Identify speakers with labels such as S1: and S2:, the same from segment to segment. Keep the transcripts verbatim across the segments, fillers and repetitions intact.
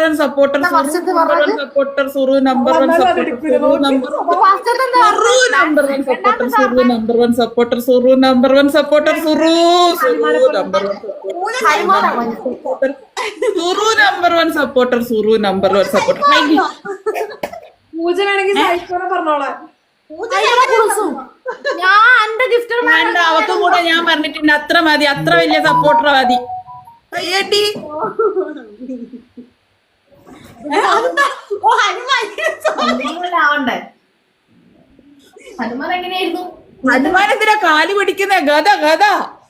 S1: One supporter number one supporter Suru number one supporter Suru number one supporter Suru number one supporter Suru number one supporter Suru Suru number one supporter Suru number one supporter Suru number one supporter
S2: Pooja വേണമെങ്കിൽ പറഞ്ഞോളാം.
S1: വേണ്ട, അവക്കും കൂടെ ഞാൻ പറഞ്ഞിട്ടുണ്ട്. അത്ര മതി, അത്ര വലിയ സപ്പോർട്ടർ മതി. അയ്യടി
S3: ഹനുമാൻ എങ്ങനെയായിരുന്നു?
S1: ഹനുമാനെന്തിനാ കാല് പിടിക്കുന്ന ഗത ഗത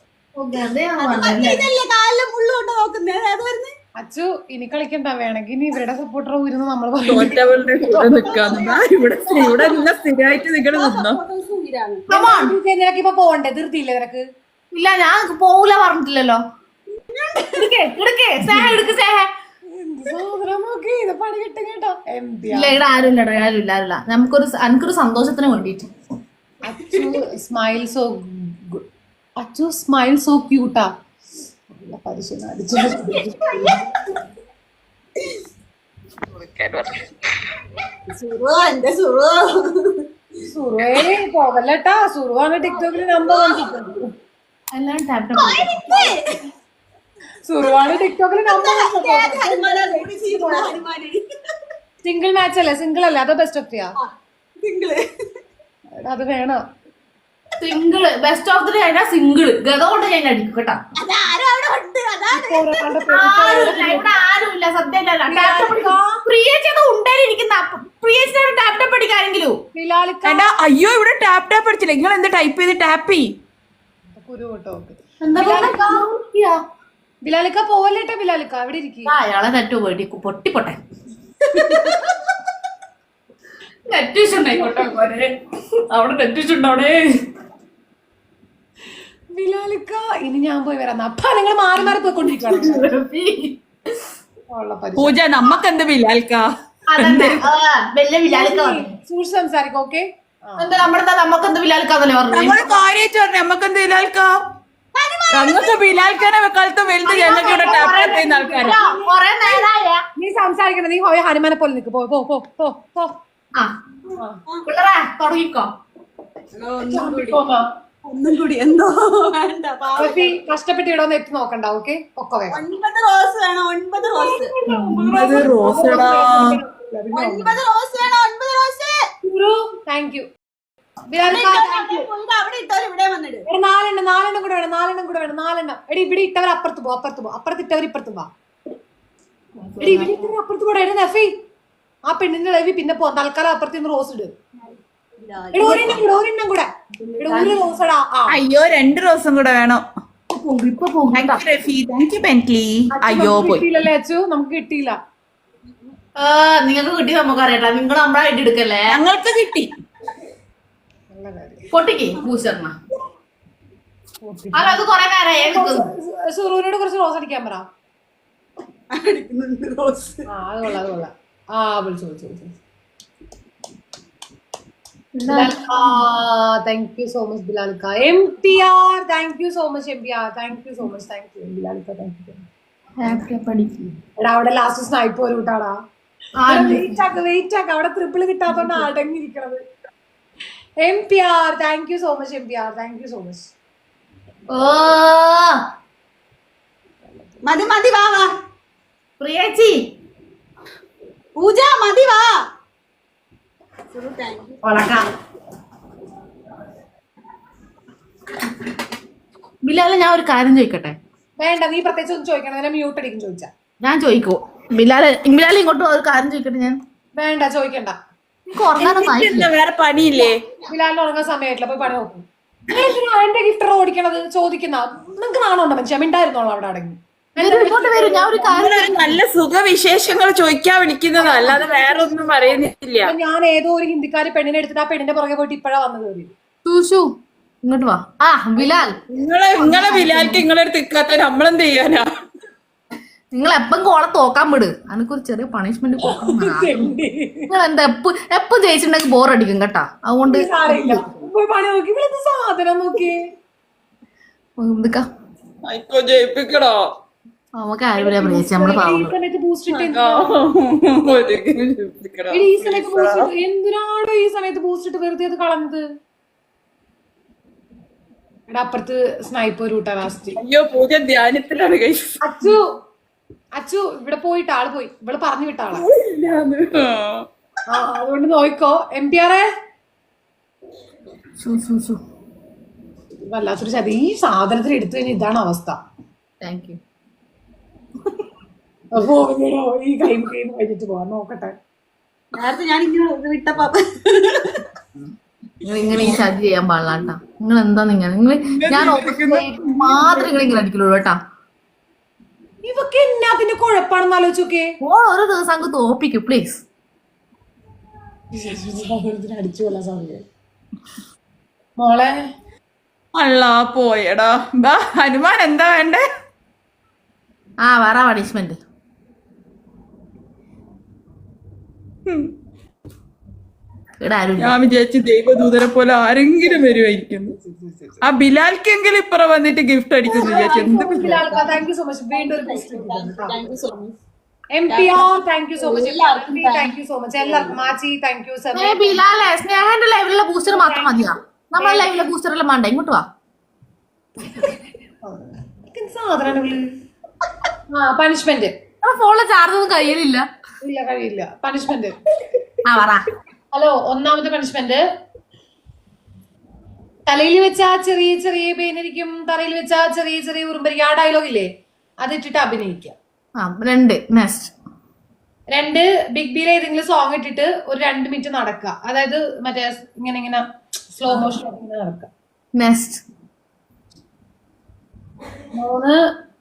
S2: അച്ചു ഇനി കളിക്കണ്ട, വേണമെങ്കിൽ ഇനി ഇവരുടെ സപ്പോർട്ടർ ഊരുന്ന് നമ്മൾ
S1: തോറ്റവളുടെ കൂടെ നിക്കാന്ന്. ഇവിടെ ഇവിടെ എല്ലാം സ്ഥിരമായിട്ട് നിങ്ങള് നിന്നോ?
S2: നിനക്കിപ്പൊ പോണ്ടേ? ധൃതിയില്ലേ നിനക്ക്?
S3: ഇല്ല, ഞാൻ പോവൂല പറഞ്ഞിട്ടില്ലല്ലോ.
S2: പണി കിട്ടും കേട്ടോ.
S3: ഇല്ല, ഇവിടെ ആരും ഇല്ലടോ, ആരും ഇല്ല, ആരുമില്ല. നമുക്കൊരു എനിക്കൊരു സന്തോഷത്തിന് വേണ്ടിട്ട്.
S2: Achu smile so Achu smile so ക്യൂട്ടാ. പരിശീലനം അടിച്ചു സുറുവേ പോകല്ലട്ടാ. സുറുവാണ് ടിക്ടോക്കിൽ നമ്പർ വൺ.
S3: എല്ലാം ടാപ്പ്
S2: സുറുവാണ് ടിക്ടോക്കിൽ നമ്പർ സിംഗിൾ മാച്ച് അല്ലേ? സിംഗിൾ അല്ലേ? അതോ ബെസ്റ്റ് ഓഫ് ത്രീയാ? അത് വേണം.
S3: സിംഗിള് ബെസ്റ്റ് ഓഫ് ത്രീ ആയിട്ടാ സിംഗിള്. ഗത കൊണ്ട് ഞാൻ അടിക്കും കേട്ടോ. ഇവിടെ ആരുമില്ല സത്യം. പ്രിയേച്ചത് ഉണ്ടായിരിക്കുന്ന പ്രിയേച്ചിനോട് ടാപ്പ് ടാപ്പ് അടിക്കാരെങ്കിലും.
S1: അയ്യോ, ഇവിടെ ടാപ്പ് ടാപ്പ് അടിച്ചില്ല. നിങ്ങൾ എന്താ ടൈപ്പ് ചെയ്ത് ടാപ്പ് ചെയ്?
S2: ബിലാലിക്ക പോവല്ലേട്ടാ. ബിലാലിക്ക അവിടെ ഇരിക്കും.
S3: അയാളെ നെറ്റ് വേണ്ടി പൊട്ടിപ്പൊട്ടെ. നെറ്റ് ഉണ്ടായിക്കോട്ടെ, അവിടെ നെറ്റ് ഉണ്ടോടെ.
S2: ബിലാലിക്ക ഇനി ഞാൻ പോയി വരാം. അപ്പ നിങ്ങൾ മാറി മാറി പോയിക്കൊണ്ടിരിക്കുകയാണ്.
S1: പൂജ നമ്മക്ക് എന്ത് ബിലാൽക്ക
S2: സൂക്ഷിച്ച് സംസാരിക്കും. ഓക്കെ,
S3: എന്താ നമ്മുടെ നമുക്കെന്ത് ബിലാൽക്കാന്നല്ലേ പറഞ്ഞു.
S1: നമ്മള് കാര്യമായിട്ട് പറഞ്ഞു നമ്മക്കെന്ത് ബിലാൽക്ക. ഞങ്ങൾക്ക് ബിലാൽക്കാനെ വെക്കാലത്തും വലുത് ഞങ്ങൾക്ക് ഇവിടെ ടാപ്പ് ചെയ്യുന്ന ആൾക്കാരാ.
S2: നീ സംസാരിക്കണം. നീ പോയ ഹനുമാനെ പോലെ നിൽക്ക്. പോ പോ പോ പോ പോ.
S3: തുടങ്ങിക്കോ.
S4: ഒന്നും കൂടി എന്തോ വേണ്ട.
S2: കഷ്ടപ്പെട്ട് ഇടോന്ന് എത്തി നോക്കണ്ട. ഓക്കെ, ഒക്കെ
S4: ഒൻപത് റോസ് വേണം. ഒൻപത് റോസ്
S1: ഒൻപത് റോസടാ.
S4: ഒൻപത് റോസ് വേണം. ഒൻപത് റോസ്.
S2: Thank you.
S4: അവിടെ ഇട്ടവർ ഇവിടെ വന്നിട്ട്
S2: നാലെണ്ണം നാലെണ്ണം കൂടെ വേണം. നാലെണ്ണം കൂടെ വേണം. നാലെണ്ണം. എടി ഇവിടെ ഇട്ടവർ അപ്പുറത്ത് പോ. അപ്പുറത്ത് പോ. അപ്പുറത്ത് ഇട്ടവർ ഇപ്പുറത്ത് പോ. എടി ഇവിടെ ഇട്ടവർ അപ്പുറത്ത് പോടാ. എടി നഫി, ആ പെണ്ണിന്റെ ലവി പിന്നെ പോ. തൽക്കാലം അപ്പുറത്ത് നിന്ന് റോസ് ഇട്. ഒരെണ്ണം കൂടെ. ഒരു റോസടാ.
S1: അയ്യോ, രണ്ട് റോസും കൂടെ വേണം. അയ്യോ
S2: കിട്ടിയില്ലല്ലേ അച്ചു? നമുക്ക് കിട്ടിയില്ല.
S3: നിങ്ങൾക്ക് കിട്ടി നമുക്ക് അറിയട്ടാ. നിങ്ങൾ നമ്മളെ ഐഡി എടുക്കല്ലേ?
S1: ഞങ്ങൾക്ക് കിട്ടി.
S3: പൊട്ടിക്ക് ഭൂഷണ. അല്ല, അത് കൊറേ നേരമായി.
S2: സുറൂനോട് കുറച്ച് റോസ് അടിക്കാൻ പറ.
S4: റോസ്.
S2: ആ അത് കൊള്ളാം, അത് കൊള്ളാം. ആ വിളിച്ചു വിളിച്ചു വിളിച്ചു. താങ്ക് യു സോ മച്ച് ബിലാലിക്ക. M P R thank you so much. M P R thank you so much. Thank you ബിലാലിക്ക. Thank you. എടാ അവിടെ ലാസ്റ്റ് സ്നൈപ്പ് ഒരു കൂട്ടാടാ. വെയിറ്റ് ആക്ക വെയിറ്റ് ആക്ക. അവിടെ ട്രിപ്പിൾ കിട്ടാത്തോണ്ട് അടങ്ങിയിരിക്കണത്. M P R thank you so much. M P R thank you so much.
S3: ഓ
S4: മതി മതി. വാ വാ
S3: പ്രിയേച്ചി.
S4: പൂജ മതി. വാ.
S3: ബിലാലെ ഞാൻ ഒരു കാര്യം ചോദിക്കട്ടെ?
S2: വേണ്ട, നീ പ്രത്യേകിച്ച് ഒന്നും ചോദിക്കണം. മ്യൂട്ട് അടിക്കും ചോദിച്ചാ.
S3: ഞാൻ ചോദിക്കോ? ബിലാലെ ബിലാലെ ഇങ്ങോട്ട് ഒരു കാര്യം ചോദിക്കട്ടെ ഞാൻ.
S2: വേണ്ട, ചോദിക്കണ്ട.
S1: വേറെ പണിയില്ലേ?
S2: ബിലാലിന് ഉറങ്ങാൻ സമയമായിട്ടില്ല. പോയി പണി നോക്കും. എന്റെ ഗിഫ്റ്റർ ഓടിക്കണത് ചോദിക്കുന്ന നിങ്ങക്ക് നാണുണ്ടോ മനുഷ്യ? മിണ്ടായിരുന്നോളൂ അവിടെ അടങ്ങി.
S1: നല്ല സുഖവിശേഷങ്ങൾ ചോദിക്കാൻ വിളിക്കുന്നതാ, അല്ലാതെ വേറെ ഒന്നും പറയുന്നില്ല.
S2: ഞാൻ ഏതോ ഒരു ഹിന്ദിക്കാരി പെണ്ണിനെ എടുത്തിട്ട് ആ പെണ്ണിന്റെ പുറകെ പോയിട്ട് ഇപ്പഴാ വന്നത്.
S3: ഇങ്ങോട്ട് വാ. ആ ബിലാൽ,
S1: നിങ്ങളെ നിങ്ങളെ ബിലാൽക്ക് നിങ്ങളെ അടുത്ത് നിൽക്കാത്ത നമ്മളെന്ത് ചെയ്യാനാ?
S3: നിങ്ങൾ എപ്പം കോളെ തോക്കാൻ വിട്. എനിക്കൊരു ചെറിയ പണിഷ്മെന്റ് നിങ്ങൾ എന്താ എപ്പ എപ്പം ജയിച്ചിട്ടുണ്ടെങ്കിൽ ബോറടിക്കും കേട്ടാ. അതുകൊണ്ട്
S2: പണി നോക്കി സാധനം നോക്കി
S1: ജയിപ്പിക്കണോ?
S3: നമുക്ക് ആരും പ്രിയച്ചി നമ്മള്
S2: ഈ
S3: പാവുള്ളൂ.
S2: സമയത്ത് ബൂസ്റ്റ് ഇട്ട്
S1: ആ, ഒരു ചിരിക്കണം.
S2: എടി, ഈ സമയത്ത് ബൂസ്റ്റ് ഇട്ട് എന്തിനാണോ ഈ സമയത്ത് ബൂസ്റ്റ് ഇട്ട് വെറുതെ അത് കളഞ്ഞത്? എടാ അപ്പുറത്ത് സ്നൈപ്പർ കൂട്ടാ ലാസ്റ്റ്.
S1: അയ്യോ പൂജ ധ്യാനത്തിലാണ് guys.
S2: അച്ചു അച്ചു ഇവിടെ പോയിട്ട് ആള് പോയി, ഇവിടെ പറഞ്ഞു വിട്ട ആളാ.
S1: ഇല്ലാന്ന്. ആ.
S2: ആ അതുകൊണ്ട് നോയിക്കോ. എം പി ആറെ വല്ലാത്തൊരു ചതി. ഈ സാധനത്തിന് എടുത്തു കഴിഞ്ഞാൽ ഇതാണ് അവസ്ഥ.
S3: Thank you.
S2: അപ്പോ ഇങ്ങനെയോ ഈ ഗെയിം ഗെയിം കഴിഞ്ഞിട്ട് പോവാൻ നോക്കട്ടെ.
S4: നേരത്തെ ഞാൻ ഇങ്ങനെ വിട്ടപ്പോ
S3: നിങ്ങൾ ഇങ്ങനെ ഈ ചതി ചെയ്യാൻ പാടില്ല കേട്ടാ. നിങ്ങൾ എന്താ നിങ്ങൾ നിങ്ങൾ ഞാൻ മാത്രം നിങ്ങൾ ഇങ്ങനെ അടിക്കുള്ളൂ കേട്ടാ.
S2: ഇവക്ക് എന്നാത്തിന്റെ കുഴപ്പാണെന്ന് ആലോചിച്ചോക്കെ.
S3: ഓരോ ദിവസം അങ്ങ് തോപ്പിക്കും പ്ലീസ്.
S2: അടിച്ചു കൊല്ലാൻ സാധ്യത. മോളെ
S1: അല്ല പോയടാ. ബാ ഹനുമാൻ എന്താ വേണ്ടേ?
S3: ആ വേറെ പണിഷ്മെന്റ്. ഇവിടെ ആരും
S1: ഞാൻ വിചാരിച്ചു ദൈവദൂതരെ പോലെ ആരെങ്കിലും വരുമായിരിക്കും. ആ ബിലാൽക്കെങ്കിലും ഇപ്പറ വന്നിട്ട് ഗിഫ്റ്റ് അടിക്കുന്നു വിചാരിച്ചു. എന്ത്
S2: താങ്ക് യു സോ മച്ച്. വീണ്ടും ഒരു M P R thank you so much. Thank you so much എല്ലാവർക്കും. മാച്ചി താങ്ക് യു സർ.
S3: ബിലാലെ സ്നേഹന്റെ ലൈവിലുള്ള ബൂസ്റ്റർ മാത്രം മതിയാ. നമ്മളെ ലൈവിലെ ബൂസ്റ്റർ എല്ലാം വേണ്ട. ഇങ്ങോട്ട് വാ.
S2: സാധനങ്ങള് ആ പണിഷ്മെന്റ്.
S3: ഫോണിലെ ചാർജ് ഒന്നും കയ്യിലില്ല.
S2: ഇല്ല കഴിയില്ല. പണിഷ്മെന്റ്
S3: ആ പറ.
S2: ഹലോ ഒന്നാമത്തെ പണിഷ്മെന്റ്, തലയിൽ വെച്ചാ ചെറിയ ചെറിയ പേനരിക്കും, തറയിൽ വെച്ചാ ചെറിയ ചെറിയ ഉറുമ്പരിക്കും. ആ ഡയലോഗ് ഇല്ലേ, അതിട്ടിട്ട് അഭിനയിക്കാം.
S3: ആ രണ്ട്. നെക്സ്റ്റ്
S2: രണ്ട്, ബിഗ് ബിയിൽ ഏതെങ്കിലും സോങ് ഇട്ടിട്ട് ഒരു രണ്ട് മിനിറ്റ് നടക്കുക. അതായത് മറ്റേ ഇങ്ങനെ ഇങ്ങനെ സ്ലോ മോഷൻ നടക്കുക.
S3: നെക്സ്റ്റ്
S2: മൂന്ന്,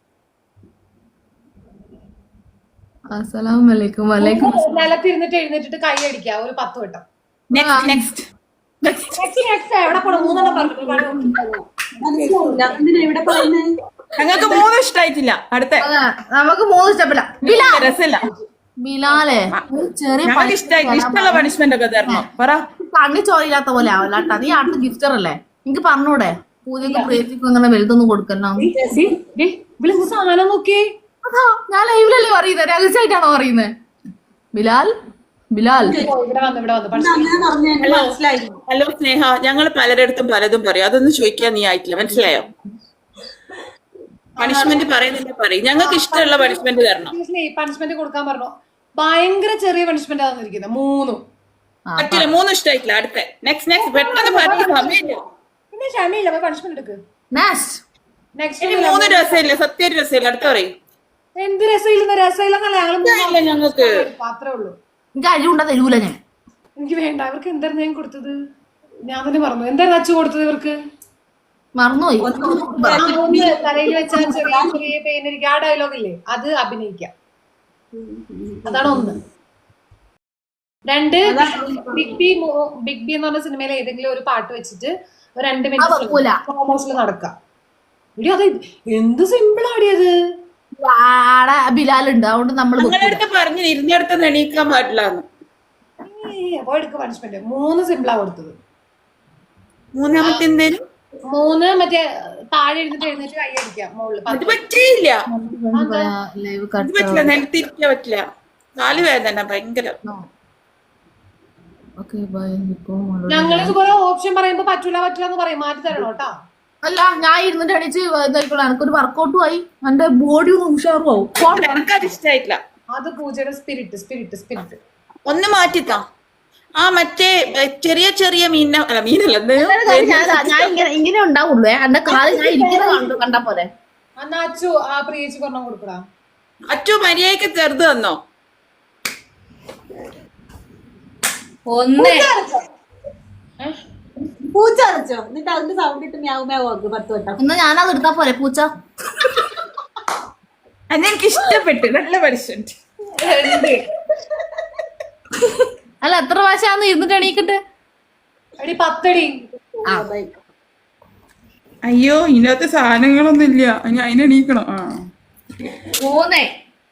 S3: അസ്സലാമു അലൈക്കും. വലൈക്കും
S2: നിലത്തിരുന്നിട്ട് എഴുന്നേറ്റിട്ട് കൈ അടിക്കുക ഒരു പത്ത് വട്ടം.
S1: നെക്സ്റ്റ് നെക്സ്റ്റ്
S2: നെക്സ്റ്റ് നെക്സ്റ്റ് എവിടെ പോണം? മൂന്നെണ്ണം പറഞ്ഞു.
S4: മനസ്സിലാവില്ല എന്തിനാ ഇവിടെ പറയുന്നത്.
S1: ഞങ്ങൾക്ക് മൂന്നും ഇഷ്ടായിട്ടില്ല. അടുത്ത
S3: നമുക്ക് മൂന്ന് സ്റ്റെപ്പില്ല.
S1: രസമില്ല.
S3: ബിലാലെ ഒരു ചെറിയ
S1: ഞങ്ങൾക്ക് ഇഷ്ടായിട്ടില്ല. ഇഷ്ടമുള്ള പണിഷ്മെന്റ് ഒക്കെ തരണം. പറ.
S3: കണ്ണി ചോരില്ലാത്ത പോലെ ആവില്ല കേട്ടാ. നീ അടുത്ത ഗിഫ്റ്റർ അല്ലേ, എനിക്ക് പറഞ്ഞൂടെ? പൂജക്ക് പ്രീതിക്കും അങ്ങനെ വലുതൊന്നും കൊടുക്കണ്ട.
S2: സാധനം നോക്കിയേ.
S3: അതാ ഞാൻ ലൈവിലല്ലേ പറയുന്നത്, രഹസ്യമായിട്ടാണോ പറയുന്നത്? ബിലാൽ ബിലാൽ
S2: ഇവിടെ വന്ന് ഇവിടെ വന്ന്
S4: അങ്ങനെ പറഞ്ഞു എനിക്ക് മനസ്സിലായി.
S1: ഹലോ സ്നേഹ, ഞങ്ങൾ പലരിടത്തും പലതും പറയും. അതൊന്നും ചോദിക്കാൻ നീ ആയിട്ടില്ല. മനസ്സിലായോ? പണിഷ്മെന്റ് പറയുന്നില്ല പറയും. ഞങ്ങൾക്ക് ഇഷ്ടമുള്ള പണിഷ്മെന്റ് തരണം.
S2: പണിഷ്മെന്റ് കൊടുക്കാൻ പറഞ്ഞു. ഭയങ്കര ചെറിയ പണിഷ്മെന്റ് ആണെന്നിരിക്കുന്നത്. മൂന്നും
S1: പറ്റില്ല. മൂന്നും ഇഷ്ടമായിട്ടില്ല. അടുത്ത നെക്സ്റ്റ് നെക്സ്റ്റ് പെട്ടെന്ന് പറയും. സമയമില്ല.
S2: പിന്നെ ക്ഷമയില്ല. പോയി പണിഷ്മെന്റ് എടുക്ക്.
S3: നെക്സ്റ്റ്
S2: നെക്സ്റ്റ്
S1: ഇനി മൂന്ന് രസമില്ല. സത്യം രസമില്ല. അടുത്ത പറയും.
S2: എന്ത് രസമില്ലെന്ന് രസമില്ലെന്നല്ല ഞങ്ങള്
S1: ഞങ്ങൾക്ക്
S2: മാത്രമേ ഉള്ളൂ.
S3: എനിക്ക് അരിവുണ്ട തരൂല ഞാൻ.
S2: എനിക്ക് വേണ്ട. അവർക്ക് എന്തായിരുന്നു ഞാൻ കൊടുത്തത്? ഞാൻ തന്നെ പറഞ്ഞു. എന്തായിരുന്നു അച്ചു കൊടുത്തത് ഇവർക്ക്?
S3: മറന്നുപോയി.
S2: ഒന്ന് തലയിൽ വെച്ചാൽ ചെറിയ ചെറിയ പേനരിക്കും. ആ ഡയലോഗ് ഇല്ലേ, അത് അഭിനയിക്കാം. അതാണ് ഒന്ന്. രണ്ട്, ബിഗ് ബി ബിഗ് ബി എന്ന് പറഞ്ഞ സിനിമയിലെ ഏതെങ്കിലും ഒരു പാട്ട് വെച്ചിട്ട് ഒരു രണ്ട് മിനിറ്റ് നടക്കാം. ഇടി അത് എന്ത് സിമ്പിൾ ആടിയത്.
S3: ബിലാലുണ്ട്, അതുകൊണ്ട് നമ്മൾ
S1: ഞങ്ങളടുത്ത് പറഞ്ഞു ഇരുന്നിടത്ത് എണീക്കാൻ പാടില്ല.
S2: എടുക്ക പണിഷ്മെന്റ്. മൂന്ന് സിമ്പിളാ കൊടുത്തത്.
S1: മൂന്നാമത്തെ എന്തേലും
S2: മൂന്ന് മറ്റേ താഴെ എഴുന്നിട്ട് എഴുന്നേറ്റ് കൈ അടിക്കാം മുകളിൽ.
S1: അത് പറ്റില്ല.
S3: ലൈവ്
S1: ഇത് പറ്റില്ല. നിലത്തിരിക്കാൻ പറ്റില്ല. കാല് വേദന ഭയങ്കര.
S2: ഞങ്ങൾ ഇതുപോലെ ഓപ്ഷൻ പറയുമ്പോ പറ്റൂല പറ്റൂല എന്ന് പറയും. മാറ്റി തരണം കേട്ടോ.
S3: അല്ല ഞാൻ ഇരുന്നിട്ട് അടിച്ച് ഇതായിക്കോളാം. എനിക്കൊരു വർക്കൗട്ടും ആയി, എന്റെ ബോഡി ഒന്ന് ഉഷാറും ആവും.
S1: എനിക്കത് ഇഷ്ടമായിട്ടില്ല.
S2: അത് പൂജയുടെ സ്പിരിറ്റ് സ്പിരിറ്റ് സ്പിരിറ്റ്
S1: ഒന്ന് മാറ്റിത്താ. ആ മറ്റേ ചെറിയ ചെറിയ മീന അല്ല മീനല്ല
S3: ഞാൻ ഇങ്ങനെ ഇങ്ങനെ ഉണ്ടാവുള്ളൂ. എന്റെ കാല് ഞാൻ ഇരിക്കുന്നത് കണ്ടു കണ്ടാ പോലെ.
S2: എന്നാ അച്ചു ആ പ്രിയേച്ചി പറഞ്ഞ കൊടുക്കടാ.
S1: അച്ചു മര്യാദക്ക് ചെറുത് തന്നോ?
S3: ഒന്ന്
S4: പൂച്ച അടച്ചോ എന്നിട്ട് അതിന്റെ സൗണ്ട് ഇട്ട് മ്യാവ് മ്യാവ് ആക്കും പത്ത് വട്ടം.
S3: എന്നാ ഞാനത് എടുത്താ പോലെ പൂച്ച.
S1: അതെനിക്ക് ഇഷ്ടപ്പെട്ടു. നല്ല പണിഷ്മെന്റ്.
S3: അല്ല എത്ര പ്രാവശ്യം ഇരുന്നിട്ട് എണീക്കട്ടെ?
S2: എടി പത്തടി.
S1: അയ്യോ ഇതിനകത്ത് സാധനങ്ങളൊന്നും ഇല്ല. ഇനി അതിനെണീക്കണം. ആ
S3: മൂന്നേ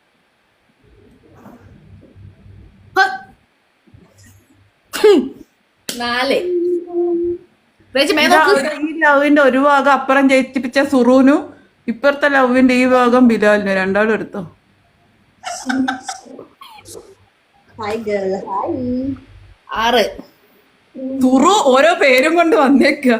S3: നാല്.
S1: ഈ ലവിന്റെ ഒരു ഭാഗം അപ്പുറം ജയിപ്പിച്ച സുറൂനു ഇപ്പുറത്തെ ലവിന്റെ ഈ ഭാഗം ബിലാലിന് രണ്ടാളും എടുത്തോ.
S4: Hi girl hi.
S3: ആറ്.
S1: തുറു ഓരോ പേരും കൊണ്ട് വന്നേക്ക.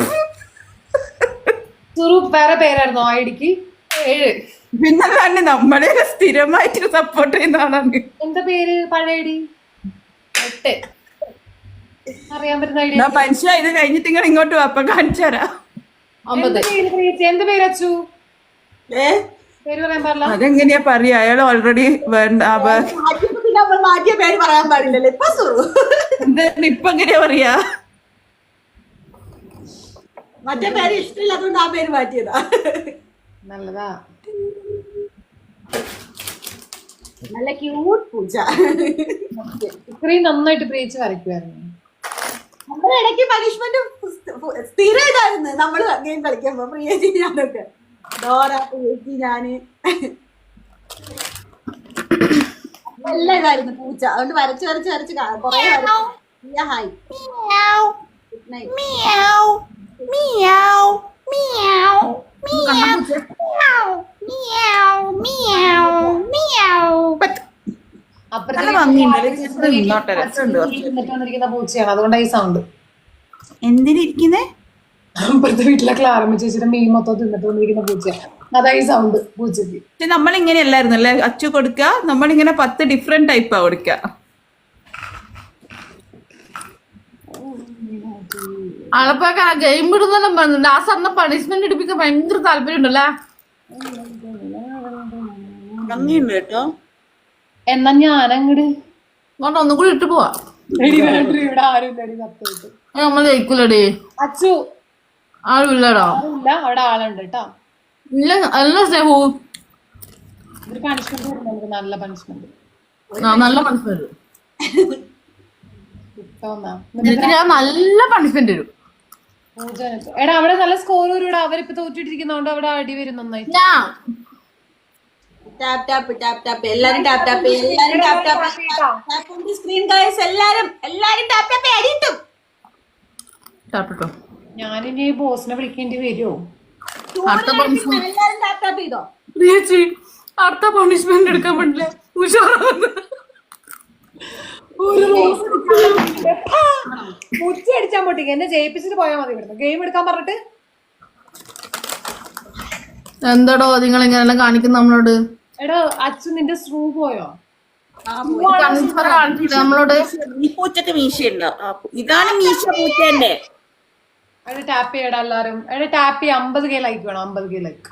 S2: സുറു വേറെ പേരായിരുന്നോ ഐഡിക്ക്?
S3: ഏഴ്.
S1: പിന്നെ തന്നെ നമ്മളെ സ്ഥിരമായിട്ട് സപ്പോർട്ട് ചെയ്യുന്ന ആളാണ്.
S2: എന്താ പേര് പഴയ ഐഡി?
S3: എട്ട്.
S2: അറിയാൻ പറ്റുന്ന ഐഡിയ.
S1: എന്നാ മനുഷ്യ ഇത് കഴിഞ്ഞിട്ട് നിങ്ങൾ ഇങ്ങോട്ട് വാ, അപ്പൊ കാണിച്ചു തരാം.
S3: ഒമ്പത്.
S2: എന്ത് പേര് അച്ചു?
S4: ഏ
S2: പേര് പറയാൻ പാടില്ല.
S1: അതെങ്ങനെയാ പറയാ, അയാൾ ഓൾറെഡി വേണ്ട.
S4: മാറ്റിയപ്പോ പിന്നെ നമ്മൾ മാറ്റിയ പേര് പറയാൻ പാടില്ലല്ലോ. ഇപ്പൊ സുറു
S1: എന്താണ് ഇപ്പൊ എങ്ങനെയാ പറയാ?
S4: മറ്റേ പേര് ഇഷ്ടമില്ലാത്തതുകൊണ്ട് ആ പേര് മാറ്റിയതാ.
S2: നല്ലതാ.
S4: നല്ല ക്യൂട്ട് പൂച്ച.
S2: ഇത്രയും നന്നായിട്ട് പ്രേച്ച് വരയ്ക്കുമായിരുന്നു.
S4: നമ്മുടെ ഇടയ്ക്ക് പനിഷ്മെന്റ് സ്ഥിരം ഇതായിരുന്നു. നമ്മള് ഗെയിം കളിക്കുമ്പോ പ്രിയേച്ചി ഞാനൊക്കെ ഡോറ പ്രിയേച്ചി ഞാന് എല്ലാം ഇതായിരുന്നു പൂച്ച. അതുകൊണ്ട് വരച്ച് വരച്ച് വരച്ച് കൊറേ ഹായ് ഗുഡ് നൈറ്റ്.
S2: വന്നിരിക്കുന്ന പൂച്ചയാണ്, അതുകൊണ്ടാണ് ഈ സൗണ്ട്.
S1: എന്തിനിരിക്കുന്നേ?
S2: അപ്പുറത്തെ വീട്ടിലൊക്കെ ആരംഭിച്ച് വെച്ചിട്ട് മീൻ മൊത്തം തിന്നിട്ട് വന്നിരിക്കുന്ന പൂച്ചയാണ്, അതാ ഈ സൗണ്ട് പൂച്ചക്ക്.
S1: പക്ഷെ നമ്മളിങ്ങനെ അല്ലായിരുന്നു അല്ലേ അച്ചു കൊടുക്ക, നമ്മളിങ്ങനെ പത്ത് ഡിഫറെന്റ് ടൈപ്പാ കൊടുക്ക.
S3: ആളപ്പൊക്കെ ഗെയിം വിടുന്നെല്ലാം പറഞ്ഞിട്ടുണ്ട്. ആ സാറിന് പണിഷ്മെന്റ് എടുപ്പിക്കാൻ ഭയങ്കര താല്പര്യം ഉണ്ടല്ലേ?
S1: ഭംഗിയുണ്ട് കേട്ടോ.
S2: എന്നാ ഞാനങ്ങട്
S3: അതുകൊണ്ട് ഒന്നും കൂടി ഇട്ട് പോവാ.
S2: ഇവിടെ ആരും സത്യമായിട്ട്
S3: നമ്മൾ ജയിക്കൂലടി.
S2: അച്ചു
S3: ആരും ഇല്ലടാ.
S2: ഇല്ല, അവിടെ ആളുണ്ട് കേട്ടോ.
S3: ഇല്ല എല്ലാ സ്നേഹവും
S2: ഒരു പണിഷ്മെന്റ് കൊടുക്കുന്നുണ്ട്, നല്ല പണിഷ്മെന്റ്.
S3: നല്ല പണിഷ്മെന്റ്
S2: കിട്ടോന്നാ
S3: എനിക്ക് ഞാൻ നല്ല പണിഷ്മെന്റ് തരും.
S2: പൂജ എടാ അവിടെ നല്ല സ്കോർ വരും. അവരിപ്പോ തോറ്റിട്ടിരിക്കുന്നോണ്ട് അവിടെ അടി വരും നന്നായി.
S3: ഞാൻ
S4: ടാപ്പ് ടാപ്പ് ടാപ്പ് ടാപ്പ് എല്ലാരും ടാപ്പ് ടാപ്പ് എല്ലാരും tap tap tap on the screen guys. എല്ലാരും എല്ലാരും ടാപ്പ് ടാപ്പ് അടിയിട്ടും
S3: ടാപ്പിട്ടോ.
S2: ഞാനിനി ബോസിനെ വിളിക്കേണ്ടി വരുമോ?
S3: അടുത്ത പണിഷ്മെന്റ്
S4: എല്ലാരും ടാപ്പ് ടാപ്പ് ചെയ്തോ?
S3: ചേച്ചി അടുത്ത പണിഷ്മെന്റ് എടുക്കാൻ പറ്റില്ല. ഉഷാറാണ്.
S2: ഉച്ച അടിച്ചാൻ പൊട്ടിക്ക് എന്നെ ജയിപ്പിച്ചിട്ട് പോയാൽ മതി. ഇവിടുന്ന് ഗെയിം എടുക്കാൻ പറഞ്ഞിട്ട്
S3: എന്താടോ നിങ്ങൾ ഇങ്ങനെല്ലാം കാണിക്കുന്ന നമ്മളോട്?
S2: എടാ അച്ചു നിന്റെ സ്ട്രൂ പോയോ?
S3: നമ്മളോട്
S1: ഈ പൂച്ചക്ക് മീശയുണ്ടോ? ഇതാണ് മീശ പൂച്ചേന്റെ.
S2: എടാ ടാപ്പ് ചെയ്യടാ എല്ലാരും. എടാ ടാപ്പ് ചെയ്യാം. അമ്പത് കെ ലൈക്ക് വേണം. അമ്പത് കെ ലൈക്ക്.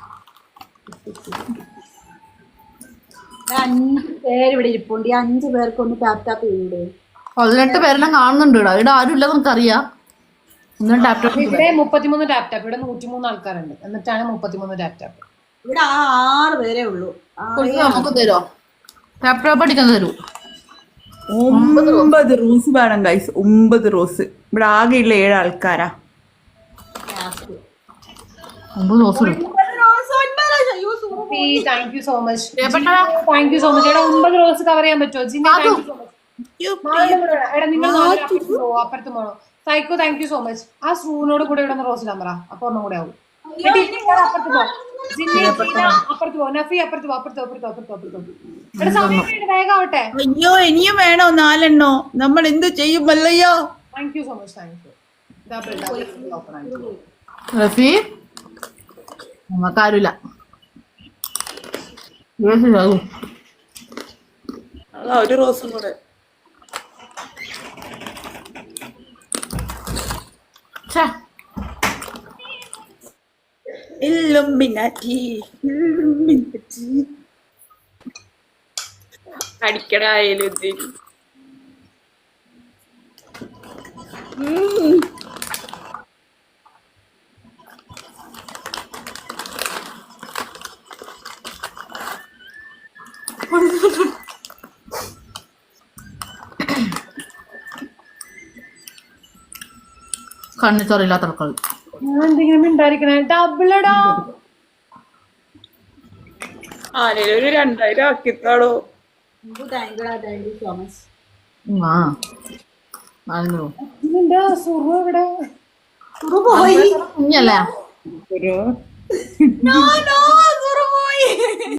S4: അഞ്ച് പേര് ഇവിടെ ഇരിപ്പുണ്ട്. ഈ അഞ്ചു പേർക്ക് ഒന്ന് ടാപ്പ് ടാപ്പ് ചെയ്യൂടെ?
S3: പതിനെട്ട് പേരെല്ലാം കാണുന്നുണ്ട്. ഇവിടെ ഇവിടെ ആരും ഇല്ല നമുക്കറിയാം.
S2: ഇവിടെ മുപ്പത്തിമൂന്ന് ടാപ്പ് ടാപ്പ്. ഇവിടെ നൂറ്റിമൂന്ന് ആൾക്കാരുണ്ട്. എന്നിട്ടാണ് മുപ്പത്തിമൂന്ന് ടാപ്പ് ടാപ്പ്.
S4: ഇവിടെ ആ ആറ് പേരേ ഉള്ളൂ.
S3: നമുക്ക് തരുമോ? ടാപ്പ് ടാപ്പ് അടിക്കാൻ തരൂ.
S1: ഒമ്പത് റോസ് വേണം ഗൈസ്. ഒമ്പത് റോസ്. ഇവിടെ ആകെയുള്ള ഏഴ് ആൾക്കാരാ.
S3: ഒമ്പത് റോസ് ഇടും.
S2: Thank you so much. Thank you so much. എടാ ഒമ്പത് റോസ് കവർ ചെയ്യാൻ പറ്റുമോ? ജിന്നി താങ്ക് യു സോ മച്ച്. എടാ നിങ്ങൾ അപ്പുറത്ത് പോണോ? Psycho thank you so much. ആ സ്ട്രൂവിനോട് കൂടെ ഇവിടെ റോസ് ഇടാൻ പറ. അപ്പൊ ഒന്നും കൂടെ ആവും. അപ്പുറത്ത് പോ. ജിന്നി അപ്പുറത്ത് പോ. നഫി അപ്പുറത്ത് പോ. അപ്പുറത്ത് അപ്പുറത്ത് അപ്പുറത്ത് അപ്പുറത്ത്. എടാ സമയം വേഗം ആവട്ടെ.
S1: അയ്യോ ഇനിയും വേണോ നാലെണ്ണോ? നമ്മൾ എന്ത് ചെയ്യും മല്ലയ്യോ?
S2: Thank you so much. Thank you.
S3: Rafi നമുക്കാരുമില്ല.
S1: അതാ ഒരു റോസും കൂടെ. ഇല്ലുമിനാറ്റി ഇല്ലുമിനാറ്റി അടിക്കടായാലും
S3: കണ്ണിച്ചോറില്ലാത്ത ആൾക്കാർ
S2: എന്തെങ്കിലും ഉണ്ടായിരിക്കണേ. ഡബിളടാ
S1: ആരെങ്കിലും ഒരു രണ്ടായിരം ആക്കിത്താളോ.
S3: ആ ആയിരുന്നു
S2: നിന്റെ സുറു എവിടെ?
S3: കുഞ്ഞല്ലേ?
S1: ഒരു
S4: നോ നോ സുറു പോയി